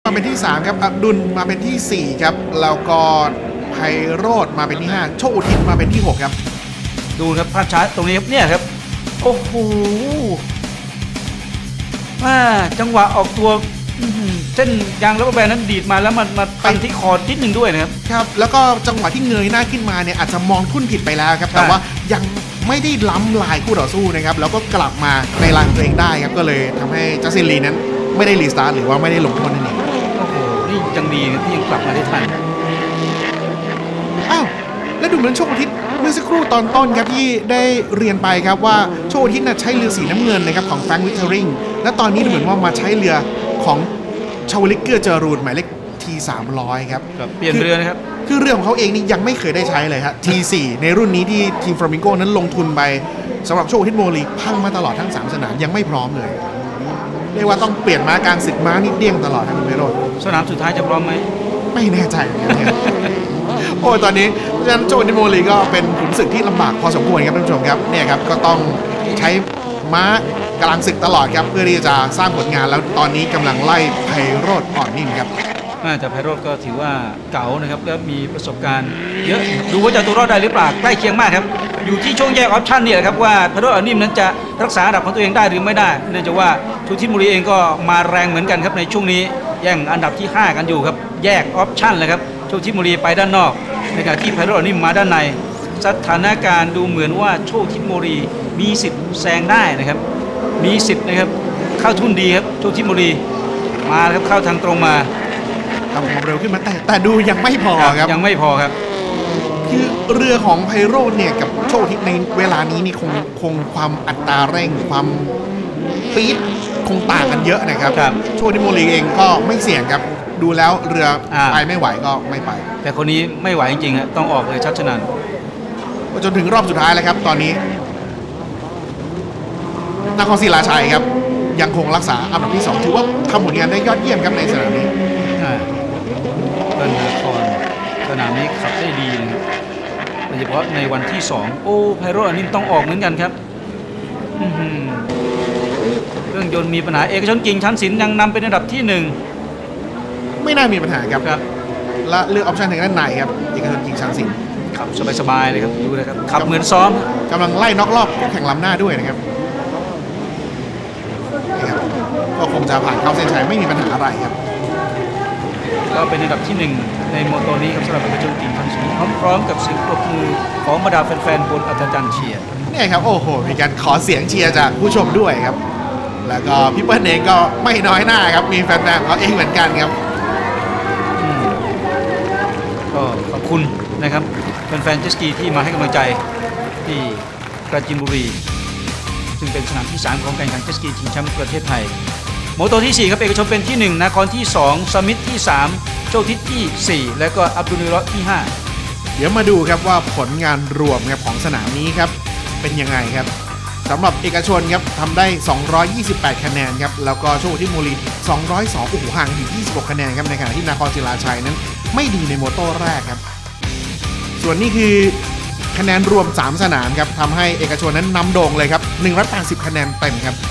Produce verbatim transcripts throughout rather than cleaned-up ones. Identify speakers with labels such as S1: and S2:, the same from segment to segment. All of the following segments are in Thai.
S1: มาเป็นที่สามครับอับดุลมาเป็นที่สี่ครับแล้วก็ไพโรจน์มาเป็นที่ห้าโชคอุทิศมาเป็นที่หกครับ
S2: ดูครับภาพช้าตรงนี้ครับเนี่ยครับโอ้โหว่าจังหวะออกตัวเส้นยางรถแบนนั้นดีดมาแล้วมันมาไปที่คอนิดนึงด้วยนะครับ
S1: ครับแล้วก็จังหวะที่เงยหน้าขึ้นมาเนี่ยอาจจะมองทุ่นผิดไปแล้วครับแต่ว่ายังไม่ได้ล้ำลายคู่ต่อสู้นะครับแล้วก็กลับมาในลายตัวเองได้ครับก็เลยทำให้จัสตินลีนั้นไม่ได้รีสตาร์ทหรือว่าไม่ได้ลงโทษนั่นเอง
S2: โอ้โหนี่ยังดีที่ยังกลับมาได้ทัน
S1: อ้าวแล้วดูเหมือนโชคอุทิศเมื่อสักครู่ตอนต้นครับที่ได้เรียนไปครับว่าโชคอุทิศน่ะใช้เรือสีน้ำเงินนะครับของแฟรงค์วิทเทอริงและตอนนี้ดูเหมือนว่ามาใช้เรือของชาวลิกเกอร์เจอรูดหมายเลข ที สามร้อย ครับ
S2: เปลี่ยนเรือนะครับ
S1: คือเรือของเขาเองนี่ยังไม่เคยได้ใช้เลยครับ ที สี่ ในรุ่นนี้ที่ทีมฟลามิงโกนั้นลงทุนไปสำหรับโชคอุทิศโมลีพังมาตลอดทั้งสามสนามยังไม่พร้อมเลยเรียกว่าต้องเปลี่ยนม้าการศึกม้านี่เดี้ยงตลอดทั้งเวโรด
S2: สนามสุดท้ายจะพร้อมไหม
S1: ไม่แน่ใจเหมือนกันโอ้ยตอนนี้เพราะฉะนั้นโจนิโมลีก็เป็นขุนศึกที่ลำบากพอสมควรครับท่านผู้ชมครับเนี่ยครับก็ต้องใช้ม้ากำลังศึกตลอดครับเพื่อที่จะสร้างผลงานแล้วตอนนี้กำลังไล่ไพโรจน์อ่อนนิ่มครับ
S2: แต่ไพโรจน์ก็ถือว่าเก๋านะครับแล้วมีประสบการณ์เยอะดูว่าจะตัวรอดได้หรือเปล่าใกล้เคียงมากครับอยู่ที่ช่วงแยกออปชั่นนี่แหละครับว่าไพโรจน์อ่อนนิ่มนั้นจะรักษาอันดับของตัวเองได้หรือไม่ได้เนื่องจากว่าชูทิศมุรีเองก็มาแรงเหมือนกันครับในช่วงนี้แย่งอันดับที่ห้ากันอยู่ครับแยกออปชั่นเลยครับโชคทิศมุรีไปด้านนอกในขณะที่ไพโรจน์อ่อนนิ่มมาด้านในสถานการณ์ดูเหมือนว่าโชคทิศมุรีมีสิทธิ์แซงได้นะครับมีสิทธิ์นะครับเข้าทุ่นดีครับโชคทิศมุรีมาครับเข้าทางตรงมา
S1: ทำความเร็วขึ้นมาแต่แต่ดูยังไม่พอครับ
S2: ยังไม่พอครับ
S1: คือเรือของไพโรจน์เนี่ยกับโชคทิศในเวลานี้นี่คงคงความอัตราเร่งความปี๊ดคงต่างกันเยอะนะครับโชคทิศโมลีเองก็ไม่เสี่ยงครับดูแล้วเรือไปไม่ไหวก็ไม่ไป
S2: แต่คนนี้ไม่ไหวจริงๆฮะต้องออกเลยชัดชนัน
S1: จนถึงรอบสุดท้ายแล้วครับตอนนี้นครศรีราชัยครับยังคงรักษาอันดับที่สองถือว่าทำผลงานได้ยอดเยี่ยมครับในสนามนี้
S2: เป็นนครสนามนี้ขับได้ดีนะครับโดยเฉพาะในวันที่สองโอ้ไพโรจน์อันนี้ต้องออกเหมือนกันครับเครื่องยนต์มีปัญหาเอกชนกิ่งชั้นศิลป์ยังนำเป็นอันดับที่หนึ่ง
S1: ไม่น่ามีปัญหาครับครับและเลือกออปชั่นทางด้านในครับเอกชนกิ่งชั้นศิลป์
S2: ขับสบายๆเลยครับดูนะครับขับเหมือนซ้อม
S1: กำลังไล่น็อกรอบแข่งล้ำหน้าด้วยนะครับก็คงจะผ่านเข้าเส้นชัยไม่มีปัญหาอะไรครับ
S2: ก็เป็นอันดับที่หนึ่งในโมโตนี้ครับสำหรับเอกชนกิ่งชั้นศิลป์พร้อมๆกับเสียงปรบมือของบรรดาแฟนๆบนอัศจรรย์เชียร์
S1: เนี่ยครับโอ้โหมีการขอเสียงเชียร์จากผู้ชมด้วยครับแล้วก็พี่เปิ้ลเองก็ไม่น้อยหน้าครับมีแฟนๆเขาเองเหมือนกันครับ
S2: ก็ขอบคุณนะครับแฟนๆเจสกีที่มาให้กำลังใจที่ปราจีนบุรีซึ่งเป็นสนามที่สามของการแข่งขันเจสกีชิงแชมป์ประเทศไทยโมโตที่สี่ครับเอกชนเป็นที่หนึ่งนครที่สองสมิธที่สามโชคทิศที่สี่และก็อับดุลนิรอที่ห้า
S1: เดี๋ยวมาดูครับว่าผลงานรวมครับของสนามนี้ครับเป็นยังไงครับสำหรับเอกชนครับทำได้สองร้อยยี่สิบแปดคะแนนครับแล้วก็โชคทิศโมลีสองร้อยสองโอ้โหห่างถึงยี่สิบหกคะแนนครับในขณะที่นครศรีราชัยนั้นไม่ดีในโมโตแรกครับส่วนนี้คือคะแนนรวมสามสนามครับทำให้เอกชนนั้นนำโด่งเลยครับหนึ่งร้อยแปดสิบคะแนนเต็มครับ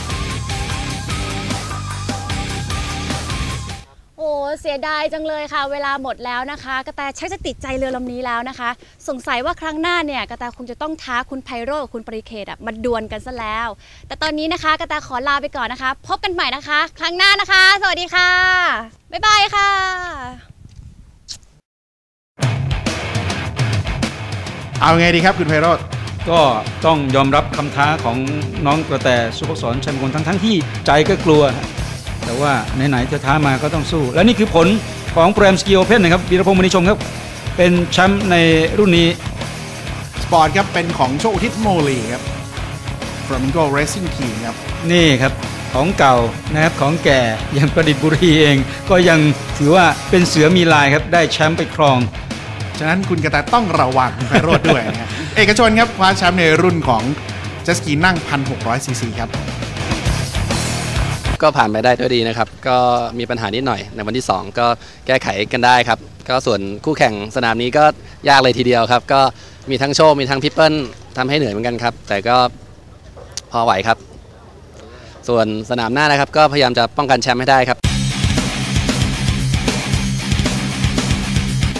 S3: โอ้เสียดายจังเลยค่ะเวลาหมดแล้วนะคะกระแตชักจะติดใจเรือลำนี้แล้วนะคะสงสัยว่าครั้งหน้าเนี่ยกระแตคงจะต้องท้าคุณไพโรจน์กับคุณปริเขตอ่ะมาดวลกันซะแล้วแต่ตอนนี้นะคะกระแตขอลาไปก่อนนะคะพบกันใหม่นะคะครั้งหน้านะคะสวัสดีค่ะบ๊ายบายค่ะ
S1: เอาไงดีครับคุณไพโรจน์
S2: ก็ต้องยอมรับคำท้าของน้องกระแตสุภกษรชัยมงคลทั้งทั้งที่ใจก็กลัวแต่ว่าไหนๆจะท้ามาก็ต้องสู้และนี่คือผลของโปรแกรมสกีโอเพ่นนะครับวีรพงษ์มณีชงครับเป็นแชมป์ในรุ่นนี้
S1: สปอร์ตครับเป็นของโชคอุทิศโมลีครับ Flamingo Racing Team ครับ
S2: นี่ครับของเก่านะครับของแก่อย่างประดิษฐ์บุรีเองก็ยังถือว่าเป็นเสือมีลายครับได้แชมป์ไปครอง
S1: ฉะนั้นคุณกระแตต้องระวังคุณไพโรจน์ด้วยนะเอกชนครับคว้าแชมป์ในรุ่นของเจ็ตสกีนั่ง หนึ่งพันหกร้อย ซี ซี ครับ
S4: ก็ผ่านไปได้ด้วยดีนะครับก็มีปัญหานิดหน่อยในวันที่สองก็แก้ไขกันได้ครับก็ส่วนคู่แข่งสนามนี้ก็ยากเลยทีเดียวครับก็มีทั้งโชคมีทั้งพิปเปิลทำให้เหนื่อยเหมือนกันครับแต่ก็พอไหวครับส่วนสนามหน้านะครับก็พยายามจะป้องกันแชมป์ให้ได้ครับ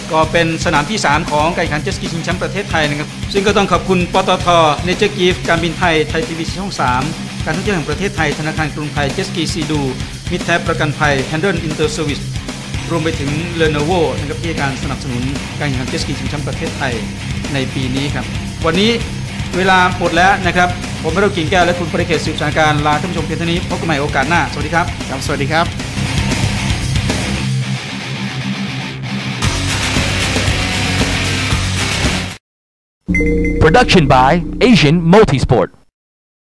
S2: ก็เป็นสนามที่สามของการแข่งขันเจ็ตสกีชิงแชมป์ประเทศไทยนะครับซึ่งก็ต้องขอบคุณปตท. เนเจอร์กิฟต์การบินไทยไทยทีวีช่องสามการท่องเที่ยวแห่งประเทศไทยธนาคารกรุงไทยเจ็ตสกีซีดูมิตรแท้ประกันภัย Handle Inter Service รวมไปถึง Lenovo นะครับที่ให้การสนับสนุนการแข่งขันเจ็ตสกีชิงแชมป์ประเทศไทยในปีนี้ครับวันนี้เวลาหมดแล้วนะครับผมไม่ต้องกิ่งแก้วและคุณปริเขตสืบสานการลาท่านผู้ชมเพียงเท่านี้พบกันใหม่โอกาสหน้าสวัสดีครับ
S1: ครับสวัสดีครับ
S5: Production by Asian Multisport